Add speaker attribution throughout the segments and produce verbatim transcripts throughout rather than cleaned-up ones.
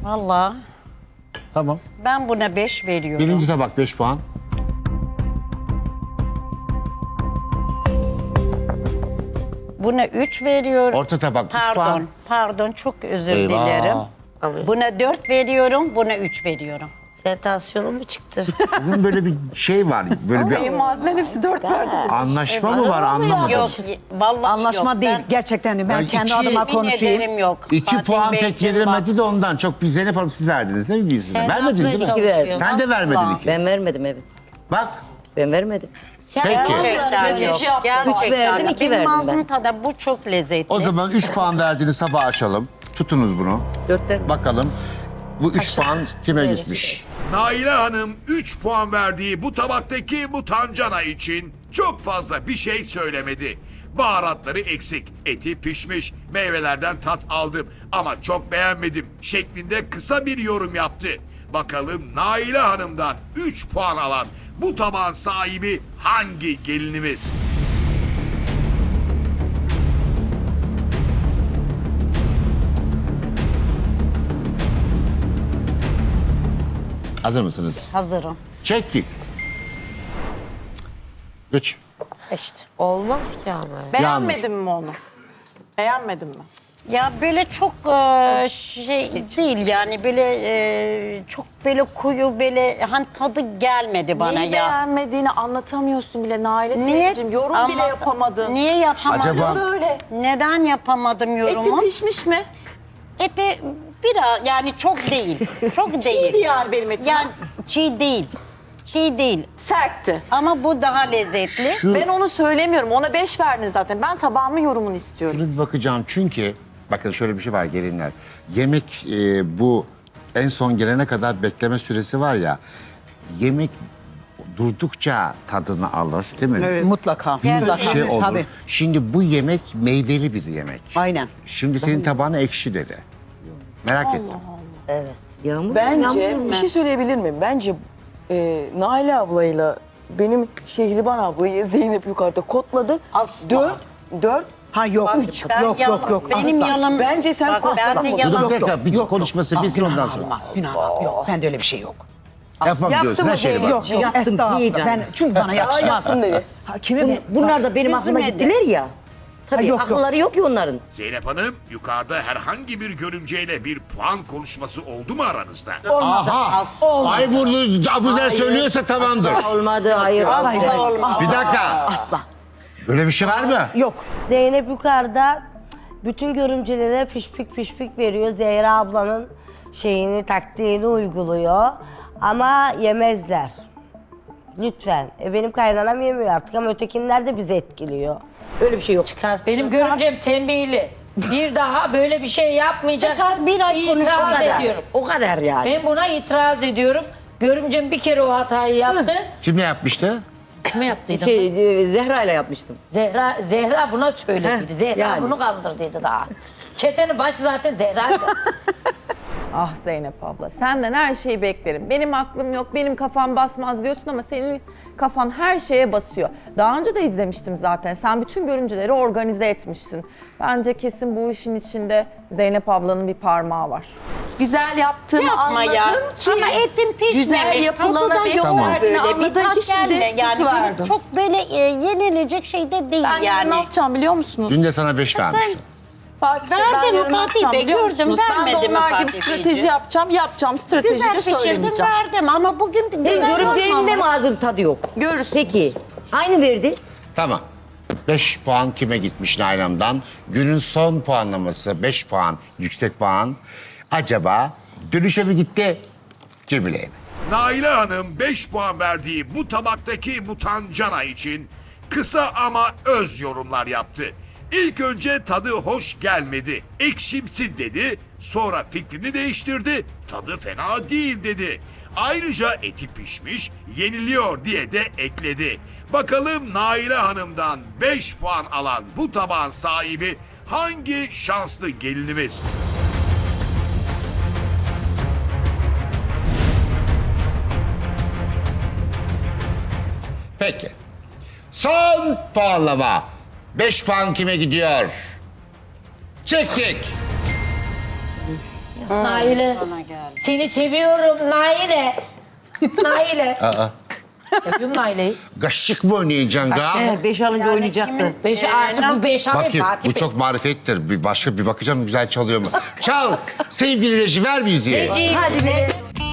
Speaker 1: Vallahi
Speaker 2: Tamam.
Speaker 1: ben buna beş veriyorum.
Speaker 2: Birinci tabak beş puan.
Speaker 1: Buna üç veriyorum.
Speaker 2: Orta tabak üç
Speaker 1: Pardon,
Speaker 2: puan.
Speaker 1: pardon çok özür
Speaker 2: Eyvah.
Speaker 1: dilerim.
Speaker 3: Abi,
Speaker 1: Buna dört veriyorum, buna üç veriyorum.
Speaker 3: senin tansiyonun mu çıktı?
Speaker 2: Bugün böyle bir şey var. Böyle bir
Speaker 4: Kayınvalideler hepsi dört verdi.
Speaker 2: anlaşma mı var anlamadım.
Speaker 1: Yok, vallahi
Speaker 5: Anlaşma
Speaker 1: yok.
Speaker 5: değil.
Speaker 1: Ben
Speaker 5: Gerçekten de ben
Speaker 2: Yani
Speaker 5: kendi
Speaker 2: iki-
Speaker 5: adıma
Speaker 1: yemin
Speaker 5: konuşayım.
Speaker 1: ederim yok.
Speaker 2: İki
Speaker 1: Fatih
Speaker 2: puan pek
Speaker 1: Beyciğim
Speaker 2: verilmedi de ondan. Çok bir Zeynep Hanım siz verdiniz değil mi biz?
Speaker 1: Sen
Speaker 2: Vermedin değil mi?
Speaker 1: yapmaya
Speaker 3: çalışıyorsun.
Speaker 2: Sen de vermedin
Speaker 1: Asla.
Speaker 2: iki.
Speaker 3: Ben vermedim evet.
Speaker 2: Bak
Speaker 3: Ben vermedim.
Speaker 2: peki.
Speaker 1: Gerçekten yok. Gerçekten.
Speaker 3: Üç verdim, iki
Speaker 1: Benim
Speaker 3: verdim
Speaker 1: ağzım
Speaker 3: ben.
Speaker 1: tadı bu çok lezzetli.
Speaker 2: O zaman üç puan verdiğiniz tabağı açalım. Tutunuz bunu.
Speaker 3: Dört verdim.
Speaker 2: Bakalım bu üç puan kime gitmiş?
Speaker 6: Naile Hanım üç puan verdiği bu tabaktaki mutancana için çok fazla bir şey söylemedi. Baharatları eksik, eti pişmiş, meyvelerden tat aldım ama çok beğenmedim şeklinde kısa bir yorum yaptı. Bakalım Naile Hanım'dan üç puan alan bu tabağın sahibi hangi gelinimiz?
Speaker 2: Hazır mısınız?
Speaker 1: Hazırım.
Speaker 2: Çektik. Üç.
Speaker 3: İşte olmaz ki ama.
Speaker 4: Beğenmedin mi onu? Beğenmedin mi?
Speaker 1: Ya böyle çok e, şey değil yani böyle e, çok böyle koyu böyle hani tadı gelmedi bana
Speaker 4: Neyi
Speaker 1: ya.
Speaker 4: beğenmediğini anlatamıyorsun bile Naile
Speaker 1: Niye?
Speaker 4: teyzeciğim. Yorum bile
Speaker 1: Anlat-
Speaker 4: yapamadın.
Speaker 1: Niye yapamadım?
Speaker 2: Acaba-
Speaker 4: Böyle.
Speaker 1: Neden yapamadım yorumu?
Speaker 4: Eti pişmiş mi?
Speaker 1: Eti biraz yani çok değil. Çok değil.
Speaker 4: Çiğdi yani benim etim.
Speaker 1: Yani çiğ değil. Çiğ değil.
Speaker 4: Sertti.
Speaker 1: Ama bu daha lezzetli.
Speaker 2: Şu,
Speaker 4: Ben onu söylemiyorum. Ona beş verdin zaten. Ben tabağımın yorumunu istiyorum.
Speaker 2: şunu bir bakacağım çünkü bakın şöyle bir şey var gelinler. Yemek e, bu en son gelene kadar bekleme süresi var ya. Yemek durdukça tadını alır değil mi?
Speaker 5: Evet, mutlaka.
Speaker 2: Bir
Speaker 5: Mutlaka.
Speaker 2: şey olur.
Speaker 5: Tabii.
Speaker 2: Şimdi bu yemek meyveli bir yemek.
Speaker 5: Aynen.
Speaker 2: Şimdi senin tabağına ekşi dedi. Merak ettim.
Speaker 3: Evet. Yağmur
Speaker 7: Bence
Speaker 3: yağmur
Speaker 7: bir şey söyleyebilir miyim? Bence e, Naile ablayla benim Şehriban ablayı Zeynep yukarıda kodladı.
Speaker 1: Asla.
Speaker 7: Dört, dört.
Speaker 5: Ha yok,
Speaker 1: Bak,
Speaker 5: üç.
Speaker 1: ben
Speaker 5: Yok,
Speaker 1: yalan-
Speaker 5: yok, yok.
Speaker 1: Benim
Speaker 5: Asla.
Speaker 1: yalan.
Speaker 7: Bence sen
Speaker 1: Bak,
Speaker 7: korkma.
Speaker 1: ben de
Speaker 7: Dur,
Speaker 1: yalan.
Speaker 2: Dur tekrar bir konuşması bitsin
Speaker 5: Günah
Speaker 2: ondan sonra.
Speaker 5: alma, günah alma. Yok, bende öyle bir şey yok.
Speaker 2: Yapmam
Speaker 7: Yaptı
Speaker 2: diyorsun
Speaker 7: mı
Speaker 2: her şeyi bak.
Speaker 7: Zeynep?
Speaker 5: Yok,
Speaker 3: Yaptım,
Speaker 5: estağfurullah.
Speaker 3: yiyeceğim.
Speaker 5: Ben, çünkü bana yakışmaz.
Speaker 7: yaptım dedi.
Speaker 5: Ha, kime bu?
Speaker 3: Bunlar da benim aklıma
Speaker 1: Üzülmedi.
Speaker 3: gittiler ya. Tabii
Speaker 5: Ha, yok, yok.
Speaker 3: akılları yok ya onların.
Speaker 6: Zeynep Hanım yukarıda herhangi bir görümceyle bir puan konuşması oldu mu aranızda?
Speaker 2: Aha! Ay vurdu, Abuzer söylüyorsa tamamdır.
Speaker 3: Olmadı hayır.
Speaker 1: Asla
Speaker 3: hayır.
Speaker 1: olmaz.
Speaker 2: Bir dakika.
Speaker 5: Asla.
Speaker 2: Böyle bir şey var mı?
Speaker 5: Yok.
Speaker 8: Zeynep yukarıda bütün görümcelere pişpik pişpik veriyor. Zehra ablanın şeyini, taktiğini uyguluyor. Ama yemezler. Lütfen. E benim kaynanam yemiyor artık ama ötekinler de bizi etkiliyor.
Speaker 3: Öyle bir şey yok.
Speaker 9: Benim görümcem tembihli. Bir daha böyle bir şey yapmayacak.
Speaker 1: Tekrar bir ay
Speaker 9: İtiraz
Speaker 1: konuşamadı.
Speaker 9: ediyorum.
Speaker 3: O kadar yani.
Speaker 9: Ben buna itiraz ediyorum. Görümcem bir kere o hatayı yaptı.
Speaker 2: Kim ne yapmıştı?
Speaker 9: Kime yaptıydım?
Speaker 3: Şey, e, Zehra ile yapmıştım.
Speaker 9: Zehra, Zehra buna söylediydi.
Speaker 3: Heh,
Speaker 9: Zehra
Speaker 3: yani.
Speaker 9: bunu kandırdıydı daha. Çetenin başı zaten Zehra'ydı.
Speaker 10: Ah Zeynep abla, senden her şeyi beklerim. Benim aklım yok, benim kafam basmaz diyorsun ama senin kafan her şeye basıyor. Daha önce de izlemiştim zaten. Sen bütün görüntüleri organize etmişsin. Bence kesin bu işin içinde Zeynep ablanın bir parmağı var.
Speaker 4: Güzel yaptığımı
Speaker 1: Yapma
Speaker 4: anladın
Speaker 1: ya.
Speaker 4: ki.
Speaker 1: Ama etim pişmemiş.
Speaker 4: Güzel yapılana
Speaker 1: tadı da
Speaker 4: beş
Speaker 1: yok
Speaker 2: Tamam.
Speaker 4: verdiğini
Speaker 1: böyle. Bir
Speaker 4: anladın
Speaker 1: tat
Speaker 4: ki şimdi
Speaker 1: gelme. Yani
Speaker 4: kötü
Speaker 1: böyle
Speaker 4: verdin.
Speaker 1: çok böyle e, yenilecek şey de değil
Speaker 4: Ben yarın
Speaker 1: yani.
Speaker 4: ne yapacağım biliyor musunuz?
Speaker 2: Dün de sana beş vermiştim.
Speaker 4: Fatih Bey,
Speaker 1: Verdim
Speaker 4: ben yarın ne
Speaker 1: Fatih
Speaker 4: yapacağım
Speaker 1: Bey,
Speaker 4: biliyor
Speaker 1: gördüm,
Speaker 4: musunuz? Ben de
Speaker 1: vermedi mi
Speaker 4: onlar gibi
Speaker 1: Fatih
Speaker 4: strateji
Speaker 1: Beyciğim?
Speaker 4: yapacağım. Yapacağım strateji
Speaker 1: Güzel
Speaker 4: de
Speaker 1: pişirdim
Speaker 4: söylemeyeceğim.
Speaker 1: verdim ama bugün
Speaker 3: Senin
Speaker 1: güzel
Speaker 3: görümceğinin de
Speaker 1: olmamış.
Speaker 3: mi ağzın tadı yok?
Speaker 4: Görürsün.
Speaker 3: Peki. Aynı verdi.
Speaker 2: Tamam. beş puan kime gitmiş Nalan'dan? Günün son puanlaması beş puan, yüksek puan. Acaba dönüşe mi gitti, Cemile'ye mi?
Speaker 6: Naile Hanım beş puan verdiği bu tabaktaki mutancana için kısa ama öz yorumlar yaptı. İlk önce tadı hoş gelmedi, ekşimsi dedi. Sonra fikrini değiştirdi, tadı fena değil dedi. Ayrıca eti pişmiş, yeniliyor diye de ekledi. Bakalım Naile Hanım'dan beş puan alan bu tabağın sahibi hangi şanslı gelinimiz?
Speaker 2: Peki. Son puanlama. beş puan kime gidiyor? Çektik.
Speaker 9: Naile.
Speaker 1: Sana geldi.
Speaker 9: Seni seviyorum Naile. Naile.
Speaker 2: Aa,
Speaker 9: Seviyorum Naile'yi.
Speaker 2: gaşık mı oynayacaksın ga?
Speaker 3: Evet, beş alınca oynayacaktı.
Speaker 9: Beş artık bu beş ay
Speaker 2: Bakayım
Speaker 9: Fatih
Speaker 2: bu
Speaker 9: Bey.
Speaker 2: çok marifettir. Bir başka bir bakacağım güzel çalıyor mu? Çal! Sevgili reji ver müziği.
Speaker 9: Reci.
Speaker 3: Hadi be.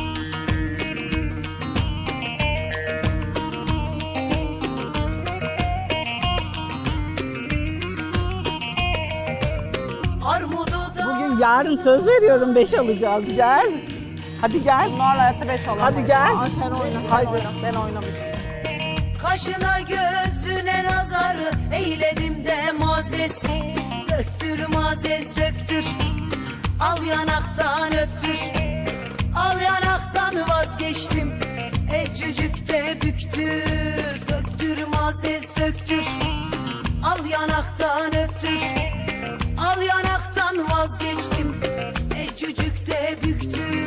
Speaker 5: Bugün yarın söz veriyorum beş alacağız. Gel. Hadi gel.
Speaker 10: Bunlarla hayatta beş alamam.
Speaker 5: Hadi gel.
Speaker 10: Aa, sen oyna. sen
Speaker 5: Haydi
Speaker 10: oyna.
Speaker 5: ben oynamayacağım.
Speaker 11: Kaşına gözüne nazarı eyledim de mazes. Döktür mazes döktür, al yanaktan öptür. Al yanaktan vazgeçtim, ecücükte büktür. Döktür mazes döktür, al yanaktan öptür. Al yanaktan vazgeçtim, ecücükte büktür.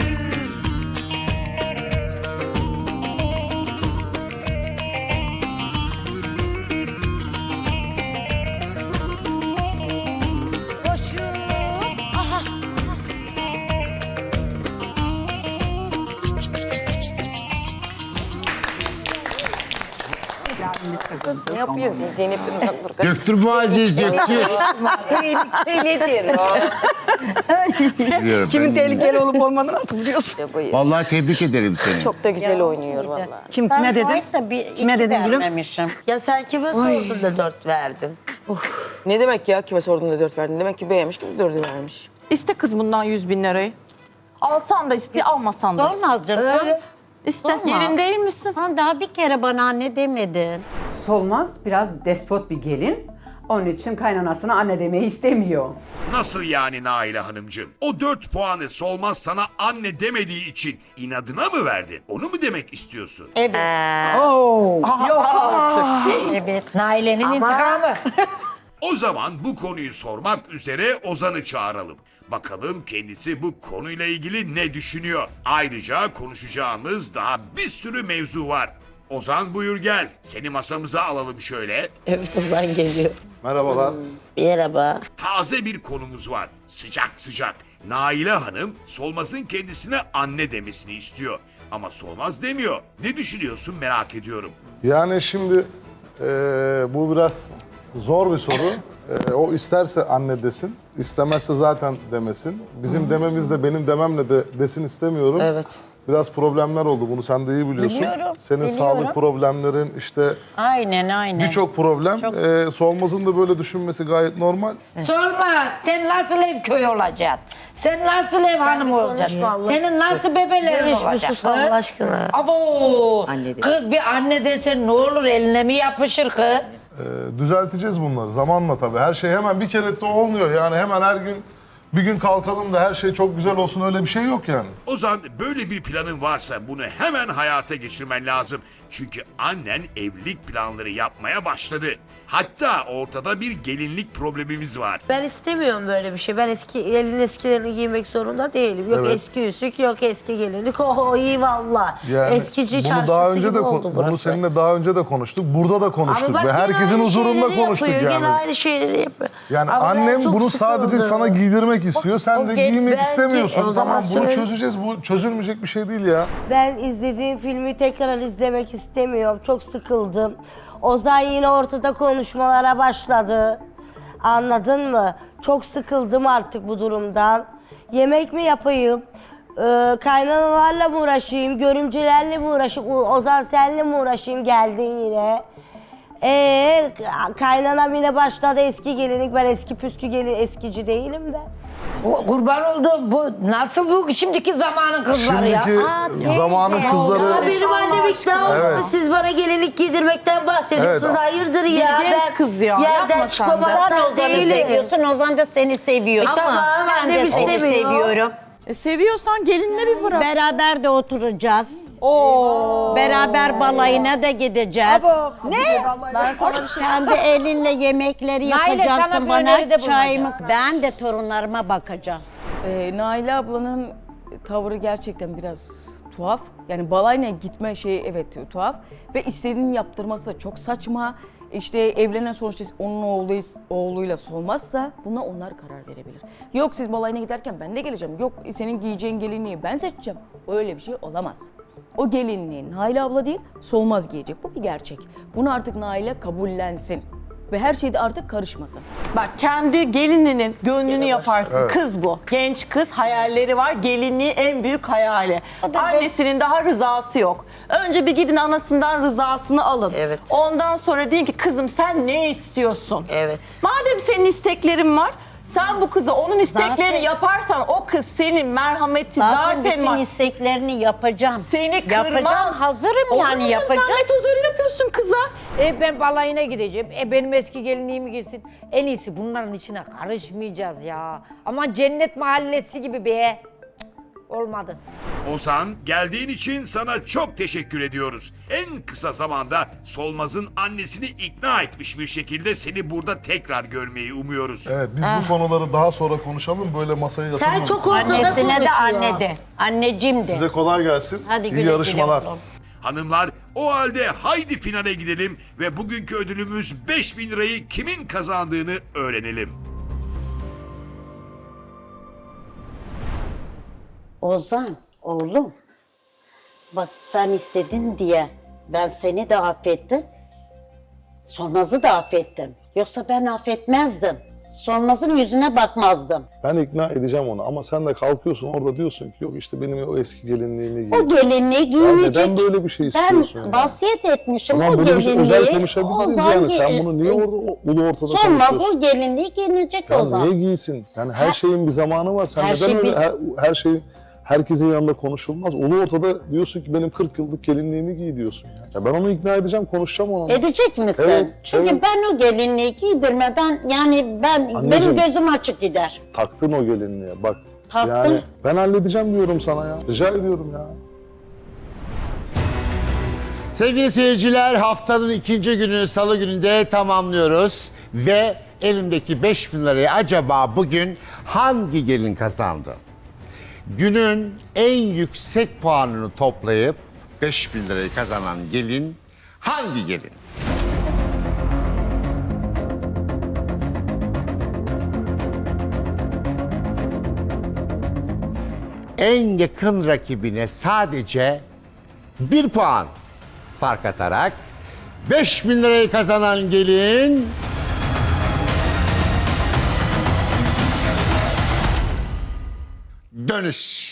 Speaker 11: Koçum, aha.
Speaker 5: Yarın biz kazanacağız.
Speaker 7: Ne yapıyorsun? Zeynep'ten uzak dur.
Speaker 2: Döktür Muazzez döktür.
Speaker 3: Şey nedir o?
Speaker 2: Biliyorum
Speaker 5: Kimin
Speaker 2: ben.
Speaker 5: tehlikeli olup olmadığını artık biliyorsun.
Speaker 2: Vallahi tebrik ederim seni.
Speaker 7: Çok da güzel oynuyor vallahi.
Speaker 5: Kim
Speaker 1: Sen
Speaker 5: kime dedin?
Speaker 1: Faik de bir,
Speaker 5: Kime
Speaker 1: iki
Speaker 5: dedim biliyor musun?
Speaker 1: vermemişim.
Speaker 8: Ya sen kime sordun da dört verdin?
Speaker 7: Ne demek ya kime sordun da dört verdin? Demek ki beğenmiş ki dördü vermiş.
Speaker 10: İste kız bundan yüz bin lirayı. Alsan da iste, almasan da iste.
Speaker 1: Sormaz canım. Sen,
Speaker 10: İste.
Speaker 1: Sorma.
Speaker 10: Yerin değil misin?
Speaker 1: sen daha bir kere bana anne demedin.
Speaker 12: Solmaz biraz despot bir gelin. Onun için kaynanasına anne demeyi istemiyor.
Speaker 6: Nasıl yani Naile Hanımcığım? O dört puanı Solmaz sana anne demediği için inadına mı verdin? Onu mu demek istiyorsun?
Speaker 1: Evet.
Speaker 5: Oo. Yok artık.
Speaker 1: Evet.
Speaker 9: Naile'nin intikamı.
Speaker 6: O zaman bu konuyu sormak üzere Ozan'ı çağıralım. Bakalım kendisi bu konuyla ilgili ne düşünüyor? Ayrıca konuşacağımız daha bir sürü mevzu var. Ozan buyur gel. Seni masamıza alalım şöyle.
Speaker 8: Evet Ozan geliyor.
Speaker 13: Merhabalar.
Speaker 8: Merhaba.
Speaker 6: Taze bir konumuz var. Sıcak sıcak. Naile Hanım Solmaz'ın kendisine anne demesini istiyor. Ama Solmaz demiyor. Ne düşünüyorsun merak ediyorum.
Speaker 13: Yani şimdi eee, bu biraz zor bir soru. Eee, o isterse anne desin, istemezse zaten demesin. Bizim dememiz de benim dememle de desin istemiyorum.
Speaker 8: Evet.
Speaker 13: Biraz problemler oldu, bunu sen de iyi biliyorsun.
Speaker 1: Biliyorum,
Speaker 13: Senin
Speaker 1: biliyorum.
Speaker 13: sağlık problemlerin, işte
Speaker 1: Aynen aynen.
Speaker 13: birçok problem. Eee, Solmaz'ın da böyle düşünmesi gayet normal.
Speaker 9: Sorma sen nasıl ev köy olacaksın? Sen nasıl ev hanımı olacaksın?
Speaker 8: vallahi.
Speaker 9: Senin nasıl bebelerin
Speaker 8: Demiş bir
Speaker 9: olacak?
Speaker 8: sus Allah aşkına.
Speaker 9: Abo!
Speaker 3: Anne de.
Speaker 9: Kız bir anne desen ne olur eline mi yapışır kız?
Speaker 13: Eee, düzelteceğiz bunları zamanla tabii. Her şey hemen bir kere de olmuyor. Yani hemen her gün bir gün kalkalım da her şey çok güzel olsun, öyle bir şey yok yani.
Speaker 6: Ozan böyle bir planın varsa bunu hemen hayata geçirmen lazım. Çünkü annen evlilik planları yapmaya başladı. Hatta ortada bir gelinlik problemimiz var.
Speaker 8: Ben istemiyorum böyle bir şey. Ben eski elin eskilerini giymek zorunda değilim. Yok
Speaker 13: Evet.
Speaker 8: eski üsük, yok eski gelinlik. Oh iyi valla.
Speaker 13: Yani
Speaker 8: Eskici
Speaker 13: bunu
Speaker 8: çarşısı
Speaker 13: daha önce
Speaker 8: gibi
Speaker 13: de
Speaker 8: oldu
Speaker 13: kon-
Speaker 8: burası.
Speaker 13: bunu seninle daha önce de konuştuk. Burada da konuştuk
Speaker 8: Ama bak
Speaker 13: ve
Speaker 8: yine
Speaker 13: herkesin
Speaker 8: aynı
Speaker 13: huzurunda
Speaker 8: şeyleri
Speaker 13: konuştuk
Speaker 8: yapıyor,
Speaker 13: yani.
Speaker 8: Yine aynı şeyleri yapıyor.
Speaker 13: Yani
Speaker 8: Ama ben
Speaker 13: annem
Speaker 8: çok
Speaker 13: bunu sadece
Speaker 8: sıkıldım.
Speaker 13: sana giydirmek istiyor. Sen
Speaker 8: O
Speaker 13: de
Speaker 8: gel-
Speaker 13: giymek
Speaker 8: belki-
Speaker 13: istemiyorsun.
Speaker 8: o zaman
Speaker 13: Tamam bunu
Speaker 8: söyle.
Speaker 13: çözeceğiz. Bu çözülmeyecek bir şey değil ya.
Speaker 8: Ben izlediğim filmi tekrar izlemek istemiyorum. Çok sıkıldım. Ozan yine ortada konuşmalara başladı. Anladın mı? Çok sıkıldım artık bu durumdan. Yemek mi yapayım? Ee, kaynanalarla mı uğraşayım? Görümcelerle mi uğraşayım? O- Ozan senle mi uğraşayım? Geldin yine. Ee, kaynanam yine başladı eski gelinlik. Ben eski püskü gelin eskici değilim ben.
Speaker 9: O, kurban oldum. Bu nasıl bu şimdiki zamanın kızları ya?
Speaker 13: Şimdiki
Speaker 1: Aa,
Speaker 13: zamanın
Speaker 1: teyze.
Speaker 13: kızları...
Speaker 8: Ya benim annem ikna olmamış.
Speaker 13: Evet.
Speaker 8: Siz bana gelinlik giydirmekten bahsediyorsunuz.
Speaker 13: Evet.
Speaker 8: Hayırdır ya?
Speaker 10: genç
Speaker 8: Ben
Speaker 10: kız ya,
Speaker 8: Yerden
Speaker 10: yapma sen de.
Speaker 1: Sen
Speaker 8: çıkmamaktan
Speaker 1: Ozan'ı
Speaker 8: değilim.
Speaker 1: seviyorsun, Ozan da seni seviyor.
Speaker 8: E tamam,
Speaker 1: ben de
Speaker 8: annem
Speaker 1: seni
Speaker 8: istemiyor.
Speaker 1: seviyorum.
Speaker 10: E, seviyorsan gelinle bir bırak.
Speaker 1: Beraber de oturacağız. Beraber balayına da gideceğiz.
Speaker 10: Ne? Ben sana bir şey...
Speaker 1: Kendi elinle yemekleri
Speaker 9: Naile, sana
Speaker 1: yapacaksın
Speaker 9: bir
Speaker 1: bana.
Speaker 9: öneride
Speaker 1: Çayımı
Speaker 9: bulunacağım.
Speaker 1: ben de torunlarıma bakacağım.
Speaker 7: Ee, Naile ablanın tavrı gerçekten biraz tuhaf. Yani balayına gitme şeyi evet tuhaf. Ve istediğini yaptırması da çok saçma. işte evlenen sonuçta onun oğlu, oğluyla solmazsa buna onlar karar verebilir. Yok siz balayına giderken ben de geleceğim. Yok senin giyeceğin gelinliği ben seçeceğim. Öyle bir şey olamaz. O gelinliği Naile abla değil, Solmaz giyecek. Bu bir gerçek. Bunu artık Naile kabullensin. Ve her şeyde artık karışmasın.
Speaker 4: Bak kendi gelininin gönlünü yaparsın.
Speaker 13: Evet.
Speaker 4: Kız bu. Genç kız, hayalleri var. Gelinliği en büyük hayali. Annesinin daha rızası yok. Önce bir gidin anasından rızasını alın.
Speaker 3: Evet.
Speaker 4: Ondan sonra deyin ki kızım sen ne istiyorsun?
Speaker 3: Evet.
Speaker 4: Madem senin isteklerin var, sen bu kıza onun isteklerini
Speaker 1: Zaten-
Speaker 4: yaparsan o kız senin merhameti
Speaker 1: Zaten,
Speaker 4: zaten,
Speaker 1: bütün
Speaker 4: var.
Speaker 1: isteklerini yapacağım.
Speaker 4: Seni kırmaz.
Speaker 1: Yapacağım, hazırım
Speaker 4: Olur
Speaker 1: yani
Speaker 4: mu?
Speaker 1: yapacağım.
Speaker 4: Zahmet huzuru yapıyorsun kıza.
Speaker 9: E ben balayına gideceğim. E benim eski gelinliğimi giysin. En iyisi bunların içine karışmayacağız ya. Ama cennet mahallesi gibi be. Cık, olmadı.
Speaker 6: Ozan, geldiğin için sana çok teşekkür ediyoruz. En kısa zamanda Solmaz'ın annesini ikna etmiş bir şekilde seni burada tekrar görmeyi umuyoruz.
Speaker 13: Evet, biz bu konuları daha sonra konuşalım. Böyle masaya yatırmayalım.
Speaker 3: Sen çok ortada
Speaker 1: Annesine de
Speaker 3: konuşuyor.
Speaker 1: anne de. Anneciğim de.
Speaker 13: Size kolay gelsin.
Speaker 1: Hadi
Speaker 13: İyi
Speaker 1: güle güle
Speaker 13: yarışmalar.
Speaker 1: oğlum.
Speaker 6: Hanımlar, o halde haydi finale gidelim ve bugünkü ödülümüz beş bin lirayı kimin kazandığını öğrenelim.
Speaker 1: Ozan, oğlum. Bak sen istedin diye ben seni de affettim. Solmaz'ı da affettim. Yoksa ben affetmezdim. Solmaz'ın yüzüne bakmazdım.
Speaker 13: Ben ikna edeceğim onu ama sen de kalkıyorsun orada diyorsun ki yok işte benim o eski gelinliğimi giy.
Speaker 1: O gelinliği
Speaker 13: Ya
Speaker 1: giyinecek.
Speaker 13: neden böyle bir şey
Speaker 1: Ben
Speaker 13: istiyorsun? ya?
Speaker 1: vasiyet etmişim
Speaker 13: Tamam
Speaker 1: o
Speaker 13: böyle bir şey
Speaker 1: gelinliği.
Speaker 13: özel konuşabiliriz
Speaker 1: Ozan
Speaker 13: yani. Sen
Speaker 1: gi-
Speaker 13: bunu niye orada o- ulu ortada
Speaker 1: Solmaz
Speaker 13: konuşuyorsun?
Speaker 1: o gelinliği giyinecek
Speaker 13: Ya
Speaker 1: Ozan.
Speaker 13: niye giysin? Yani her
Speaker 1: Her-
Speaker 13: şeyin bir zamanı var. Sen
Speaker 1: her
Speaker 13: neden
Speaker 1: şey
Speaker 13: öyle
Speaker 1: biz-
Speaker 13: her, her şeyin herkesin yanında konuşulmaz? Ulu ortada diyorsun ki benim kırk yıllık gelinliğimi giy diyorsun. Ya, ya ben onu ikna edeceğim, konuşacağım onunla.
Speaker 1: Edecek misin?
Speaker 13: Evet,
Speaker 1: Çünkü
Speaker 13: evet.
Speaker 1: ben o gelinliği giydirmeden yani ben
Speaker 13: Anneciğim.
Speaker 1: benim gözüm açık gider.
Speaker 13: Taktın o gelinliğe bak.
Speaker 1: Taktım.
Speaker 13: Yani ben halledeceğim diyorum sana ya. Rica ediyorum ya.
Speaker 2: Sevgili seyirciler, haftanın ikinci günü Salı gününde tamamlıyoruz. Ve elimdeki beş bin lirayı acaba bugün hangi gelin kazandı? Günün en yüksek puanını toplayıp beş bin lirayı kazanan gelin hangi gelin? En yakın rakibine sadece bir puan fark atarak beş bin lirayı kazanan gelin Dönüş.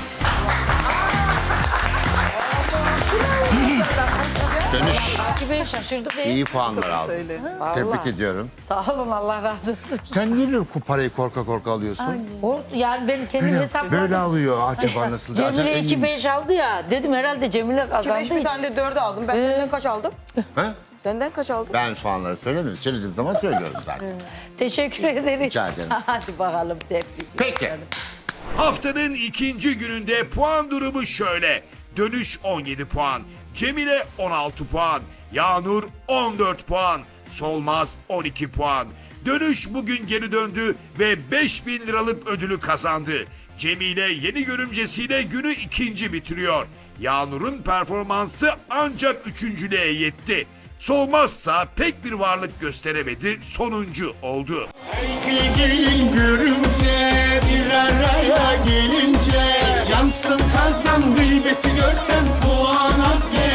Speaker 2: Dönüş.
Speaker 9: Gibi şaşırdık be.
Speaker 2: İyi puanlar aldı. Tebrik ediyorum.
Speaker 9: Sağ olun Allah razı olsun.
Speaker 2: Sen niye bu parayı korka korka alıyorsun?
Speaker 9: O, yani ben kendim
Speaker 2: Böyle,
Speaker 9: hesapladım.
Speaker 2: böyle alıyor acaba nasıl? Acaba
Speaker 9: Cemile
Speaker 2: en-
Speaker 9: iki beş aldı ya. Dedim herhalde Cemile kazandı.
Speaker 7: beş bir tane de dört aldım. Ben senden kaç aldım?
Speaker 2: Ha?
Speaker 7: Senden kaç aldım?
Speaker 2: Ben puanları söylemiyorum. Söylediğim zaman söylüyorum zaten.
Speaker 9: Teşekkür ederim.
Speaker 2: Rica ederim.
Speaker 1: Hadi bakalım tebrik.
Speaker 2: Peki.
Speaker 6: Haftanın ikinci gününde puan durumu şöyle. Dönüş on yedi puan, Cemile on altı puan, Yağnur on dört puan, Solmaz on iki puan. Dönüş bugün geri döndü ve beş bin liralık ödülü kazandı. Cemile yeni görümcesiyle günü ikinci bitiriyor. Yağnur'un performansı ancak üçüncülüğe yetti. Solmazsa pek bir varlık gösteremedi, sonuncu oldu.
Speaker 14: Sevgilin görünce bir araya gelince yansın kazan gıybeti görsen puan az